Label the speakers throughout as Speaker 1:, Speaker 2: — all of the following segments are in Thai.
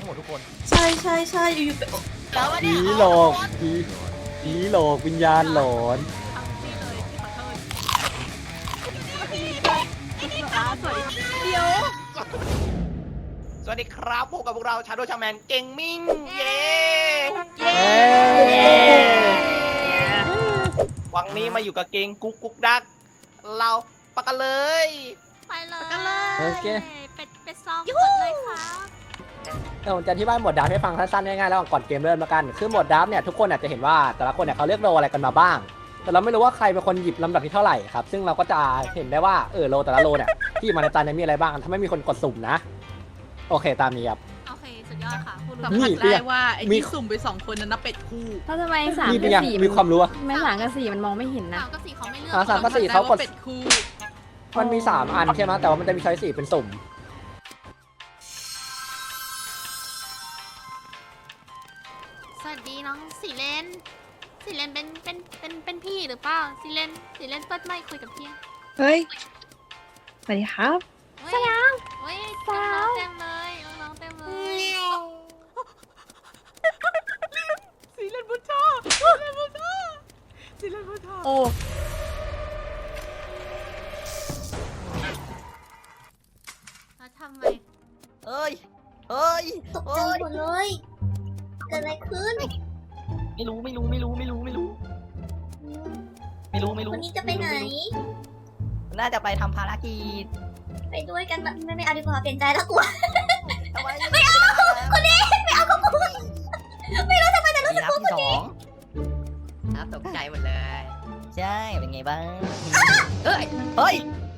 Speaker 1: หมดทุกคน
Speaker 2: ใช่ใช่ใช่อยู่ๆไปแล้ว
Speaker 3: ผี
Speaker 2: เนี่ย
Speaker 3: หลอกผีหลอกวิญญาณหลอน
Speaker 4: ทำนี่เลยขอโทษสวยเดี๋ยว
Speaker 1: สวัสดีครับพบกับพวกเราชาโดชาแมนเก่งมิ่งเย้
Speaker 3: เย้
Speaker 1: วันนี้มาอยู่กับเก่งกุ๊กกุ๊กดักเราปะกันเลย
Speaker 4: ไปเลย
Speaker 3: โอเค
Speaker 4: เป็ดซองกดเลยครับ
Speaker 3: ผมจะอธิบายโหมดดราฟให้ฟังสั้นๆง่ายๆแล้วก่อนเกมเริ่มแล้วกันคือโหมดดราฟเนี่ยทุกคนอาจจะเห็นว่าแต่ละคนเนี่ยเขาเลือกโรอะไรกันมาบ้าง แต่เราไม่รู้ว่าใครเป็นคนหยิบลำดับที่เท่าไหร่ครับซึ่งเราก็จะเห็นได้ว่าโรแต่ละโรเนี่ยที่มาในตาเนี่ยมีอะไรบ้างถ้าไม่มีคนกดสุ่มนะโอเคตามนี้ครับ
Speaker 4: โอเคสุดยอดค่ะพูด
Speaker 5: สัม
Speaker 4: รู้
Speaker 5: ผัส
Speaker 3: นี่
Speaker 5: ได้ว่าไอ้ที่สุ่มไป2 คนนั้นนับเป็ดคู่
Speaker 6: แล้วทำไมสาม
Speaker 3: นี่เป็น
Speaker 6: กับ
Speaker 3: ยัง
Speaker 6: สี่
Speaker 3: มีความรู้อะ
Speaker 6: ไม่สามกับสี่มันมองไม่เห็นนะ
Speaker 4: สามกับสี่เขาไม่เลือก
Speaker 3: สามกับสี่เขากด
Speaker 5: เป็ดคู่
Speaker 3: มันมี3อันใช่ไหมแต่ว่ามันจะมีช้อย4เป็นสุ่ม
Speaker 4: สวัสดีน้องสีเลนเป็นพี่หรือเปล่าสีเลนเปิดไมค์คุยกับพี่
Speaker 2: เฮ้ยสวัสดีครับ
Speaker 4: สยามเฮ้ยน้องเต็มเลยน้องเต็มเลย
Speaker 5: สีเลนบุชาสีเลนบุชาสีเลนบุชา
Speaker 2: โอ้
Speaker 4: แล้วทำไม
Speaker 1: เอ้ยเอ้ย
Speaker 7: ตกใจหมดเลยเกิดอะไรขึ้น
Speaker 1: ไม่รู้
Speaker 7: วันนี้จะไปไหน
Speaker 1: น่าจะไปทำภารกิจ
Speaker 7: ไปด้วยกันไม่เอาดีกว่าเปลี่ยนใจแล้วกลัว
Speaker 1: ทำไมไม่เอาคนนี้ไม่เอากับกูไม่รู้ทำไมแต่รู้สึกกลัวคนนี้ครับตกใจหมดเลย ใช่เป็นไงบ้างเฮ้ย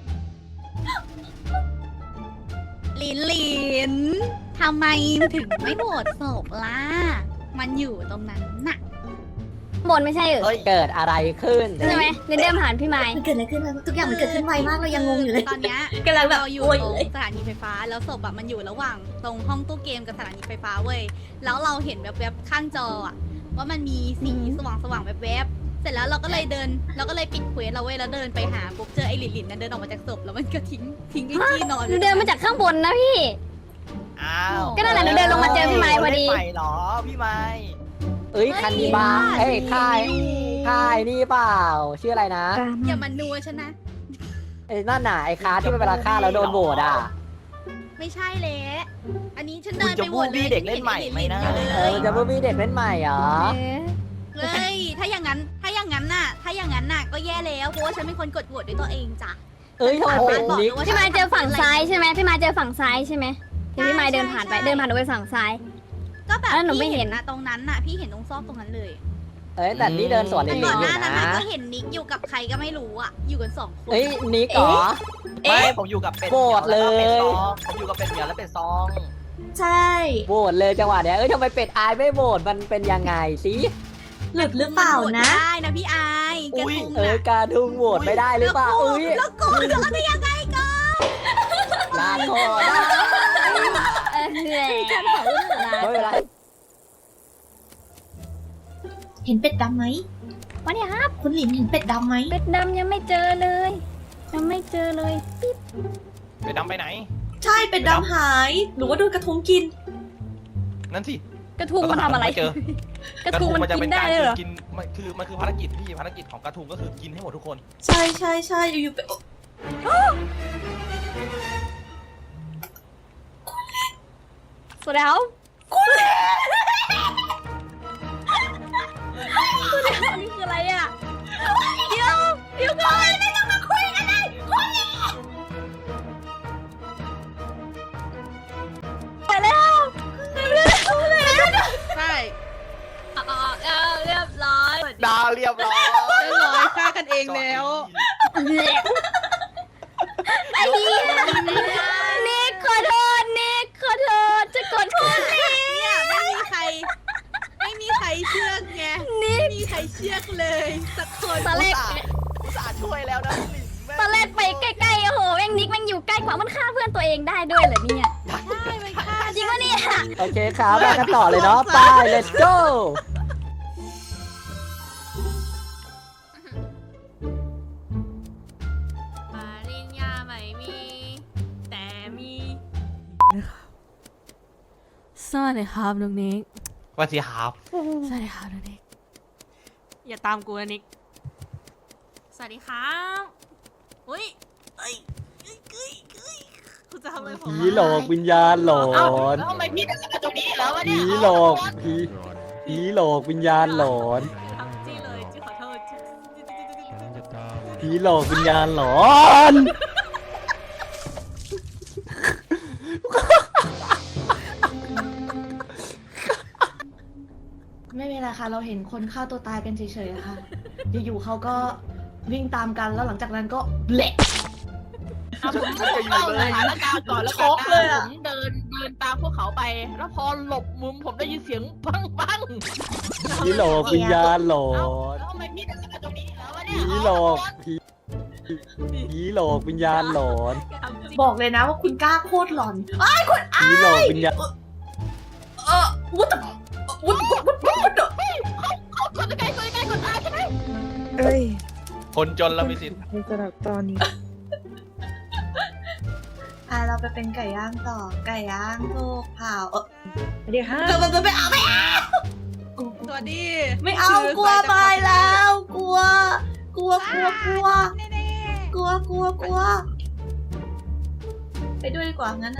Speaker 4: ลินทำไมถึงไม่โหวตศพล่ะมันอยู่ตรงนั้นน่ะ
Speaker 6: บนไม่ใช่เหรอ
Speaker 3: เกิดอะไรขึ้น
Speaker 6: ใช่ไหมเดินผ่านพี่ไม้
Speaker 7: มันเกิดอะไรขึ้นทุกอย่างมันเกิดขึ้นไวมากเรายังงงอยู่เลย
Speaker 4: ตอนเนี้ย
Speaker 7: กำลังแบบ
Speaker 4: เราอยู่
Speaker 7: โอ้ย
Speaker 4: ตรง
Speaker 7: เลย
Speaker 4: สถานีไฟฟ้าแล้วศพอะมันอยู่ระหว่างตรงห้องตู้เกมกับสถานีไฟฟ้าเว้ยแล้วเราเห็นแวบๆข้างจออะว่ามันมีสีสว่างๆแวบๆเสร็จแล้วเราก็เลยปิดเควสเราเว้ยแล้วเดินไปหาปุ๊บเจอไอ้หลินนั่นเดินออกมาจากศพแล้วมันก็ทิ้งไอ้ที่นอน
Speaker 6: หนูเดินมาจากข้างบนนะพี่
Speaker 1: อ้าว
Speaker 6: ก็นั่นแหละหนูเดินลงมาเจอพี่ไม้พอดี
Speaker 1: ไม่ไปหรอพี่ไม้
Speaker 3: คันนิบาค่ายนี่เปล่าชื่ออะไรนะ
Speaker 4: อย่ามานัวฉันนะ
Speaker 3: นั่นน่ะไอ้คาที่เวลาฆ่าแล้วโดนโหวตอ่ะ
Speaker 4: ไม่ใช่เลยอันนี้ฉัน
Speaker 1: คุ
Speaker 4: เดิ
Speaker 1: ณ
Speaker 4: น
Speaker 1: จะ
Speaker 4: ไปโหว
Speaker 1: บู
Speaker 4: ตเลย
Speaker 1: บี้เด็กเล่นใหม่ไหมนะ
Speaker 3: มันจะมีเด็กเล่นใหม่เหรอ
Speaker 4: เฮ้ยถ้าอย่างนั้นน่ะก็แย่แล้วเพราะว่าฉันเป็นคนกดโหวตด้วยตัวเองจ้ะ
Speaker 3: ทำไมเป็นนิก
Speaker 6: พี่ไม้เจอฝั่งซ้ายใช่ไหมพี่ไม้เจอฝั่งซ้ายใช่ไหมที่พี่ไม้เดินผ่านไปหนูไปฝั่งซ้าย
Speaker 4: ก็แบบ
Speaker 6: อันนั้นหนูไม่
Speaker 4: พี่
Speaker 6: เห็
Speaker 4: เห็
Speaker 6: น
Speaker 4: นนะตรงนั้นน่ะพี่เห็นตรงซอกตรงนั้นเลย
Speaker 3: แต่นี่เดินสวน
Speaker 4: แต่
Speaker 3: ลิ
Speaker 4: ก่อน
Speaker 3: อ
Speaker 4: ห
Speaker 3: ยู่
Speaker 4: น้านั้น
Speaker 3: นะ
Speaker 4: น่ะก็เห็นนิกอยู่กับใครก็ไม่รู้อ่ะอยู่กัน2 คน
Speaker 3: นิกเหรอ
Speaker 1: ไม่ผมอยู่กับเป็ด
Speaker 3: โกรธเลย
Speaker 1: ผมอยู่กับเป็ดเหมียวและเป็ดซอง
Speaker 7: ใช่
Speaker 3: โหวตเลยจังหวะเนี้ยทำไมเป็ดอายไม่โหวตมันเป็นยังไงสิ
Speaker 7: หลุดหรือเปล่านะ
Speaker 4: ได้นะพี่อายกระทุงน่ะ
Speaker 3: การทุ่งโหวตไม่ได้หรือเปล่าอุ้ย
Speaker 4: แล้วกูจะได้ยังไงก่อน
Speaker 3: ลาโทษไม่เป็นไร
Speaker 7: เห็นเป็ดดำไหม
Speaker 6: วันนี้ครับ
Speaker 7: คุณหลินเห็นเป็ดดำไหม
Speaker 6: เป็ดดำยังไม่เจอเลยยังไม่เจอเลย
Speaker 1: เป็ดดำไปไหน
Speaker 2: ใช่เป็ดดำหายหรือว่าโดนกระทุงกิน
Speaker 1: นั่นสิ
Speaker 6: กระทุงมันทำอะไร
Speaker 1: เจอก
Speaker 6: ระทุงมัน
Speaker 1: จะ
Speaker 6: กิ
Speaker 1: เป็น
Speaker 6: นได้
Speaker 1: การ
Speaker 6: เลยเหรอ
Speaker 1: กินมันคือภารกิจพี่ภารกิจของกระทุงก็คือกินให้หมดทุกคน
Speaker 2: ใช่ใช่ใช่อยู่ๆไป
Speaker 6: สวัสดีครับนี่คืออะไรอ่ะเดี๋ยวก่อนไม่ต้องมาคุยกันเลยไปแล้ว
Speaker 5: ใช่
Speaker 4: เรียบร้อย
Speaker 1: ดาวเรียบร้อย
Speaker 5: เรียบร้อยฆ่ากันเองแล้ว
Speaker 6: ไอ้เหี้ยนิกขอโทษนิกขอโทษจะกดขึ้นนิก
Speaker 5: เนี่ยไม่มีใครเชื่อไงไม่มีใครเชื่อเลยสักคน
Speaker 6: ตอนแรก
Speaker 1: อุตส่าห์ช่วยแล้วนะพี่หลินแม่
Speaker 6: ตอนแรกไปใกล้ๆโอ้โหแม่งนิกแม่งอยู่ใกล้กว่ามันฆ่าเพื่อนตัวเองได้ด้วยเหรอเนี่ย
Speaker 5: ใช่ไม่ฆ่า
Speaker 6: จริงวะเนี่ย
Speaker 3: โอเคครับไปกันต่อเลยเนาะไป let's go
Speaker 4: ปริญญาไม่มี แต่มี
Speaker 5: ส
Speaker 6: สวัสดีครับน้องนิก
Speaker 8: ว่าสิครับ
Speaker 6: สวัสดีครับน้องนิกอย่าตามกูนะนิกสวัสดีครับอุ้ย
Speaker 5: คุณจะทำอะไรผม
Speaker 3: ผีหลอกวิญญาณหลอน
Speaker 5: แล้วทำไมพี่เป็นตรงนี้แล้ววะเนี่
Speaker 3: ผี
Speaker 5: ย
Speaker 3: หลอกผีหลอกวิญญาณหลอน
Speaker 5: ทำจี้เลยจี้ขอโทษจี้
Speaker 3: ผีหลอกวิญญาณหลอน
Speaker 2: ไม่เป็นไรค่ะ เราเห็นคนฆ่าตัวตายกันเฉยๆค่ะ อยู่ๆเขาก็วิ่งตามกันแล้วหลังจากนั้นก็เละ
Speaker 5: ผมเข้าสถานการณ์ก่อนแล้ว
Speaker 2: ช็อกเลยอะ
Speaker 5: ผมเดินตามพวกเขาไป แล้วพอหลบมุมผมได้ยินเสียงปังปัง
Speaker 3: ผีหลอกวิญญาณหลอน
Speaker 5: แล้วทำไมพี่เป็นตรงนี้แล้ววะเนี่ย
Speaker 3: ผีหลอกผีหลอกวิญญาณหลอน
Speaker 2: บอกเลยนะว่าคุณกล้าโคตรหลอน
Speaker 3: ผีหลอกวิญญาณ
Speaker 2: วุ้ดวุ้ดวุ้ดวุ้ดวุ้ด
Speaker 5: กดใกล้กดตายใช่ไหม
Speaker 9: เอ้ย
Speaker 8: คนจนเรามีสิทธิ์
Speaker 9: ในสำหรับตอนนี้
Speaker 2: เราไปเป็นไก่ย่างต่อ ไก่ย่างถูกเผา
Speaker 9: เดี๋ยวฮะ
Speaker 2: ไม่เอาไม่เอา
Speaker 5: สวัสดี
Speaker 2: ไม่เอากลัวไปแล้ว กลัวกลัวกลัวกลัวกลัวกลัวกลัวไปด้วยดีกว่างั้นนะ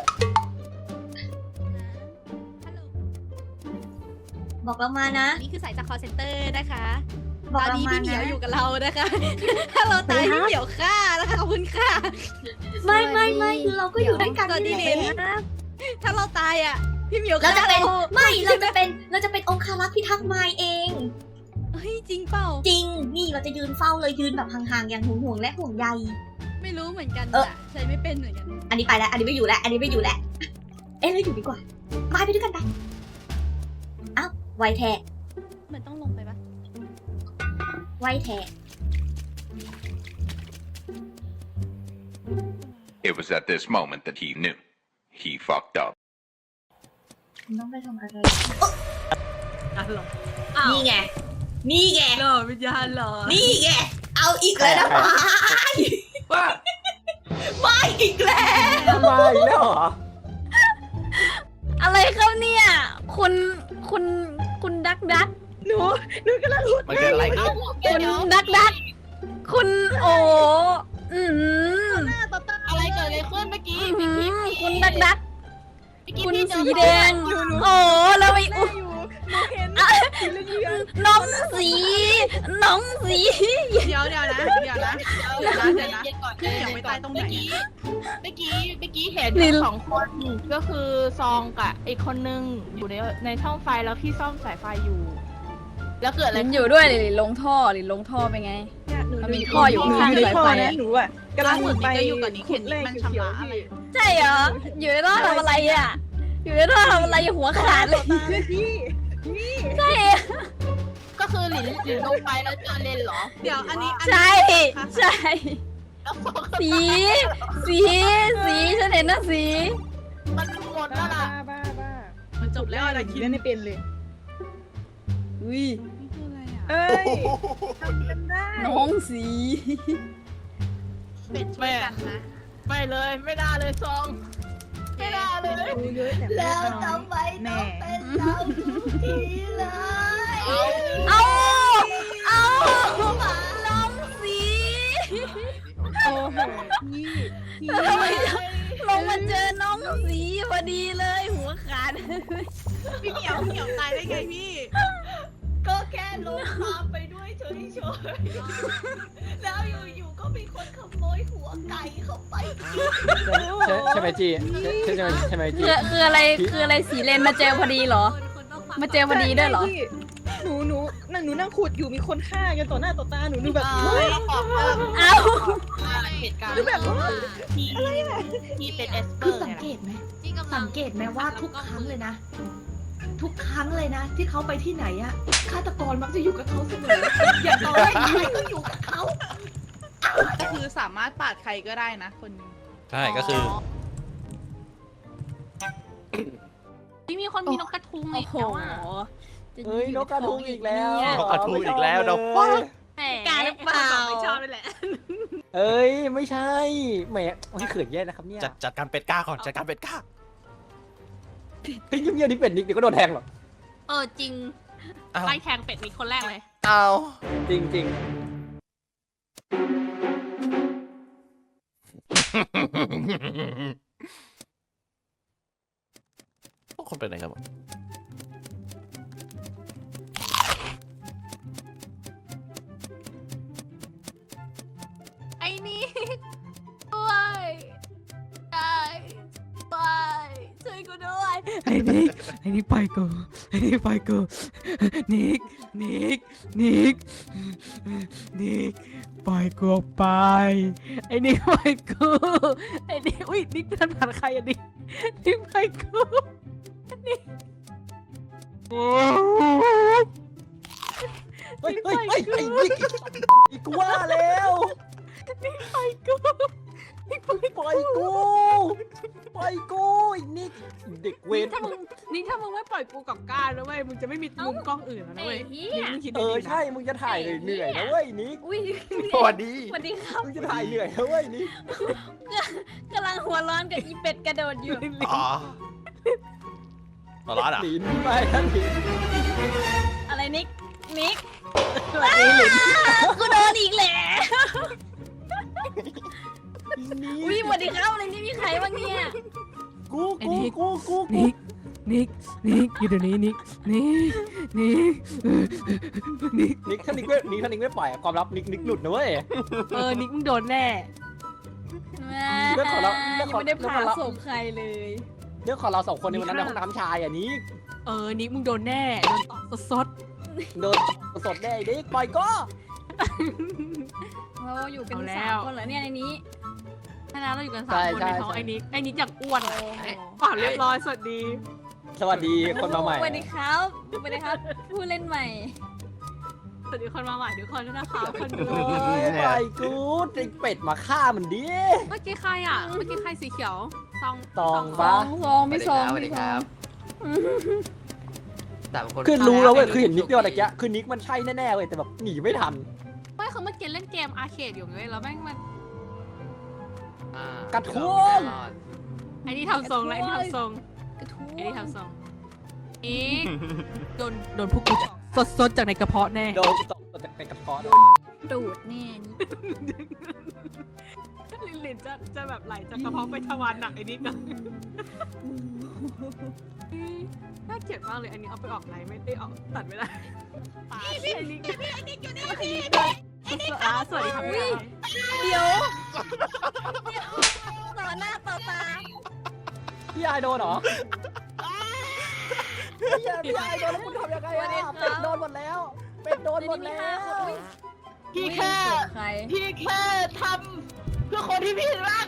Speaker 2: บอกเรามานะ
Speaker 4: นี่คือสายจาก call center นะคะ
Speaker 2: บ
Speaker 4: ต
Speaker 2: อก
Speaker 4: อน
Speaker 2: เรา
Speaker 4: นี้
Speaker 2: มา
Speaker 4: พี่เหมียว
Speaker 2: นะ
Speaker 4: อยู่กับเรานะคะ ถ้าเราตายพี่เหมียวฆ่านะคะขอบคุณค่ะ
Speaker 7: ไม่คือเราก็อยู่ด้วยกัน
Speaker 4: ตอนนี้
Speaker 7: นี่
Speaker 4: ลิน
Speaker 7: แหละ
Speaker 4: ถ้าเราตายอ่ะ พี่เหมียว
Speaker 7: เรา
Speaker 4: ฆ่า
Speaker 7: จะเป็น
Speaker 4: เรา
Speaker 7: เราจะเป็นองคารักษ์พิทักษ์ไม้เอง
Speaker 4: เฮ้ยจริงเปล่า
Speaker 7: จริง นี่เราจะยืนเฝ้าเลยยืนแบบห่างๆอย่างห่วงๆและห่วงใย
Speaker 4: ไม่รู้เหมือนกัน
Speaker 7: เออ
Speaker 4: อะใช้ไม่เป็นเหมือนกัน
Speaker 7: อันนี้ไปแล้ว อันนี้ไม่อยู่แล้ว อันนี้ไม่อยู่แล้ว เอ๊ะเราอยู่ดีกว่าไปด้วยกันไปอ้าวไวแท้
Speaker 4: เหมือนต้องลงไปปะ
Speaker 7: ไวแท้
Speaker 10: It was at this moment that he knew. He fucked up.
Speaker 2: คุณต้องไปทำอะไร
Speaker 5: อ้าว
Speaker 2: นี่ไง นี่ไง
Speaker 5: หลอวิญญาณหลอ
Speaker 2: นี่ไง เอาอีกแล้วนะมา
Speaker 5: ว่า
Speaker 2: ไม่อีกแล้ว
Speaker 3: มาอีกแล้วเหรอ
Speaker 6: อะไรครับเนี่ยคุณดัก
Speaker 9: หนูกำลัง
Speaker 8: มันเกิดอะไรขึ้น
Speaker 6: คุณดักคุณโอ้อืม
Speaker 5: อะไรเกิดอะไรขึ้นเมื่อกี้
Speaker 6: คุณดักคุณสีแดงโอ้แล้วไม่อุ๊ยน้องสีน้องสี
Speaker 5: เดี๋ยวนะพี่เหมียวไปตายตรงไหนเมื่อกี้เห็นสองคนก็คือซองกับอีกคนนึงอยู่ในช่องไฟแล้วพี่ซ่อมสายไฟอยู่ แล้วเกิดอะไร
Speaker 6: ลินอยู่ด้วยลินลงท่อไปไง มันมีท่ออยู่ข้างสายไฟอะ
Speaker 9: หนูอ่ะกำลังไป
Speaker 5: อยู่กับนิกเห็นมันชำระอะไร
Speaker 6: ใช่เหรออยู่ในท่อทำอะไรอ่ะอยู่ในท่อทำอะไรหัวขาดเลย
Speaker 9: พี่
Speaker 6: ใช่
Speaker 5: ก็คือหลินลงไปแล้วเจอเลนเหรอ เดี๋ยวอันนี้
Speaker 6: ใช่สีฉันเห็นนะสี
Speaker 5: มันหมดแล้วล่ะ
Speaker 9: บ้า
Speaker 5: มันจบแล้วอะไร
Speaker 9: คิดเล่นไม่เป็นเลย
Speaker 6: อุ้ย
Speaker 9: เอ้ยทำกันได้
Speaker 6: น้องสี
Speaker 5: เป็นช่วยกันนะ ไม่เลยไม่ได้เลยซองไม่ได้เลย
Speaker 9: ดูเยอะแต่ไม่
Speaker 2: แล้ว
Speaker 9: น้อย
Speaker 2: ทำไม
Speaker 9: แม่
Speaker 2: ต้องเป็นเราทุกทีเลย
Speaker 6: เอาน้องสี
Speaker 9: โอ้โหพี่
Speaker 6: ทำไมลงมาเจอน้องสีพอดีเลยหัวขาด
Speaker 5: พี่เหมียวตายได้ไงพี่ ก็แค่ลงตามไปด้วยเฉยๆแล้วอยู่ๆก็มีคนขโมยหัวไก่เข้าไป
Speaker 3: ใช่ไหมจีใช่ไหมจี
Speaker 6: คืออะไรสีเลนมาเจอพอดีเหรอ มาเจอพอดีด้วยเหรอ
Speaker 9: พี่หนูนั่งขุดอยู่มีคนฆ่ากันต่อหน้าต่อตาหนูแบบ
Speaker 6: เอ้า
Speaker 5: เหตุการณ์
Speaker 9: คือแบบว่า
Speaker 5: ที่เป็นเอสเปอ
Speaker 2: คือ
Speaker 5: ร์
Speaker 2: สังเกตไหมสังเกตไหมว่าทุกครั้งเลยนะ ทุกครั้งเลยนะ ที่เขาไปที่ไหนอะฆาตกรมักจะอยู่กับเขาเสมอ อย่างน้อยใครก็อยู่กับเขา
Speaker 5: ก็คือสามารถปาดใครก็ได้นะคนนึง
Speaker 8: ใช่ก็คือ
Speaker 4: ไม่มีคนมีนกกระทุง
Speaker 6: โอ้โห
Speaker 3: เฮ้ยนกกระทุงอีกแล้ว
Speaker 8: นกกระทุงอีกแล้วเดี๋ยว
Speaker 6: การเปล่า
Speaker 5: ไม่ชอบเลยแหละ
Speaker 3: เอ้ยไม่ใช่แหมเขินแย่นะครับเนี่ย
Speaker 8: จัดการเป็ดก้าก่อนจัดการเป็ดก้า
Speaker 3: เฮ้ยเงียบๆนี่เป็ดนิกเดี๋ยวก็โดนแทงหรอก
Speaker 2: จริง
Speaker 8: อ้าว
Speaker 2: ไล่แทงเป็ดนี่คนแรกเลย
Speaker 8: เอา
Speaker 3: จริง
Speaker 8: พวกคนไปไหนกันหมด
Speaker 2: ไอ้นี่ด้วยได้ไปช่วยกูด้วย
Speaker 9: ไอ้นี่ไปกูนิกปล่อยกูออกไปไอ้นิกปล่อยกูไอ้นิกอุ้ยนิกทันผ่านใครอ่ะนิกปล่อยกูนิก
Speaker 3: ๆเฮ้ยไอ้นิกอีกว่าแล้วปล่อยกูไอ้นิกเด็กเวร
Speaker 2: ถ้ามึงไม่ปล่อยกูกับก้านะเว้ยมึงจะไม่มีมุมกล้องอื่นแล้วนะเว้ยนี่มึงคิดดีๆนะ
Speaker 3: ใช่มึงจะถ่ายเหนื่อยนะเว้ยนิก
Speaker 4: อุ้ย
Speaker 8: สวัสดี
Speaker 4: สวัสดีครับ
Speaker 3: มึงจะถ่ายเหนื่อยนะเว้ยนิก
Speaker 4: กำลังหัวร้อนกับอีเป็ดกระโดดอยู่
Speaker 8: อ๋อหัวเร้อนอ่ะ
Speaker 3: หลินไปนะหลิน
Speaker 4: อะไรนิก
Speaker 3: สวัสดีหลิน
Speaker 4: กูโดนอีกแล้ว
Speaker 3: นิก
Speaker 4: อุ้ยสวัสดีครับอะไรนี่มีใครบ้างเนี่ย
Speaker 3: กู
Speaker 9: นิกอยู่เดี๋ยวนี้นิก
Speaker 3: นิกถ้านิกไม่ปล่อยความลับนิกหลุดนะเว้ย
Speaker 9: นิกมึงโดนแน่
Speaker 3: เรื่องของเราเรื่อง
Speaker 4: ยัง
Speaker 3: ของ
Speaker 4: ไม่ได้
Speaker 3: เรื่อง
Speaker 4: พา
Speaker 3: ของเรา
Speaker 4: ส่งใครเลย
Speaker 3: เรื่องของเราสองคนในวันนั้นในห้องน้ำชายอ่ะนิก
Speaker 9: นิกมึงโดนแน่โดนตอกสด
Speaker 3: โดนสดแน่นิกปล่อยก็
Speaker 4: เราอยู่กัน
Speaker 9: เอาแล้
Speaker 4: สาม
Speaker 9: ว
Speaker 4: คนเหรอเนี่ยในนี้
Speaker 9: ถ้าแล้วเราอยู่กัน3 คนในท้องไอ้นิกอย่างอ้วนเปล่าเรียบร้อยสวัสดี
Speaker 3: สวัสดีคนมาใหม่
Speaker 4: สวัสดีครับผู้เล่นใหม่
Speaker 9: สวัสดีคนมาใหม่ทุกคนด้วยนะคะคนดู
Speaker 3: ปล่อยกูไอ้เป็ดมาฆ่ามันดิ
Speaker 9: เมื่อกี้ใครอ่ะ เมื่อกี้ใครสีเขียวซอง
Speaker 3: ตอง
Speaker 4: ซ
Speaker 3: ปะ
Speaker 4: องไม่ซอง
Speaker 1: สวัสดีครับแต่คน
Speaker 3: คือรู้แล้วเว้ยคือเห็นนิกเดียวอะไรเงี้ยคือนิกมันใช่แน่ๆเว้ยแต่แบบหนีไม่ทัน
Speaker 9: ไม่คือเมื่อกี้เล่นเกมอาร์เคดอยู่ไงแล้วแม่งมัน
Speaker 3: กระทุ่ม
Speaker 9: ไอ้นี่ทำทรงแล้วไอ้นี่ทำทรง
Speaker 4: กระทู้
Speaker 9: ไอ้นี่ทำทรงอีกโดนพวกกูสดจากในกระเพาะแน่
Speaker 3: โดนตกจากเป็นกระเพาะ
Speaker 4: ดูดแน่นี่
Speaker 9: ลินจะแบบไหลจากกระเพาะไปทวารหนักไอ้นิดนะน่าเกลียดมากเลยอันนี้เอาไปออกไหนไม่ได้ออกตัดไม่ได้ไอ้นิกอยู่นี่พี่สวัสดีครับพี่
Speaker 4: เดี๋ยวต่อหน้าต่อตา
Speaker 3: พี่ไอโดนเหรอพี่ไอโดนแล้วคุณทำยังไงอ่ะเป็ดโดนหมดแล้วเป็ดโดนหมดแล้ว
Speaker 5: พี่แค่
Speaker 4: ใคร
Speaker 5: ทำเพื่อคนที่พี่รัก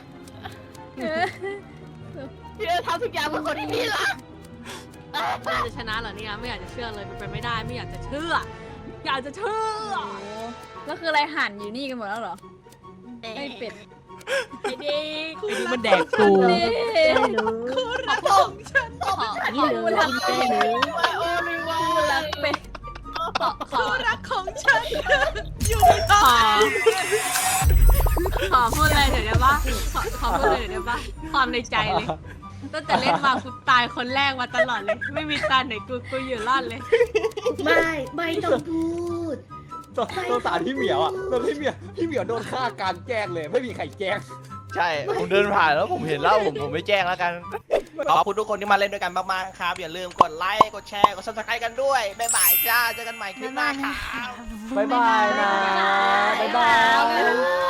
Speaker 5: พี่จะทำทุกอย่างเพื่อคนที่พี่รัก
Speaker 9: มันจะชนะเหรอเนี่ยไม่อยากจะเชื่อเลยมันเป็นไม่ได้ไม่อยากจะเชื่อ อยากจะเชื่อ
Speaker 4: ก็คืออะไรหั่นอยู่นี่กันหมดแล้วเหรอไอเป็ด
Speaker 9: ไอ้ดิไอ้ดิมันแดกกู
Speaker 5: รักของฉัน
Speaker 4: นี่เลยรักเป็ด
Speaker 5: โอ้ยว่า
Speaker 4: รักเป็ด
Speaker 5: รักของฉัน
Speaker 9: ขอพูดอะไรเดี๋ยวได้ปะขอพูดเลยเดี๋ยวได้ปะความในใจเลยตั้งแต่เล่นมากูตายคนแรกมาตลอดเลย ไม่มีตาไหนกูอยู่รอดเลย
Speaker 2: ไม่ต้องพูด
Speaker 3: ตัวสารพี่เหมียวอ่ะโดนพี่เหมียวโดนฆ่ากลารแจ้งเลยไม่มีใครแจ้ง
Speaker 8: ใช่ ผมเดินผ่านแล้วผมเห็นแล้วผมไม่แจ้งแล้วกัน ขอบคุณทุกคนที่มาเล่นด้วยกันมากๆครับ อย่าลืมกดไลค์ กดแชร์ กด subscribe กันด้วย บ๊ายบายจ้า เจอกันใหม่คลิปหน้าครับ
Speaker 3: บ๊ายบายนะบ๊ายบาย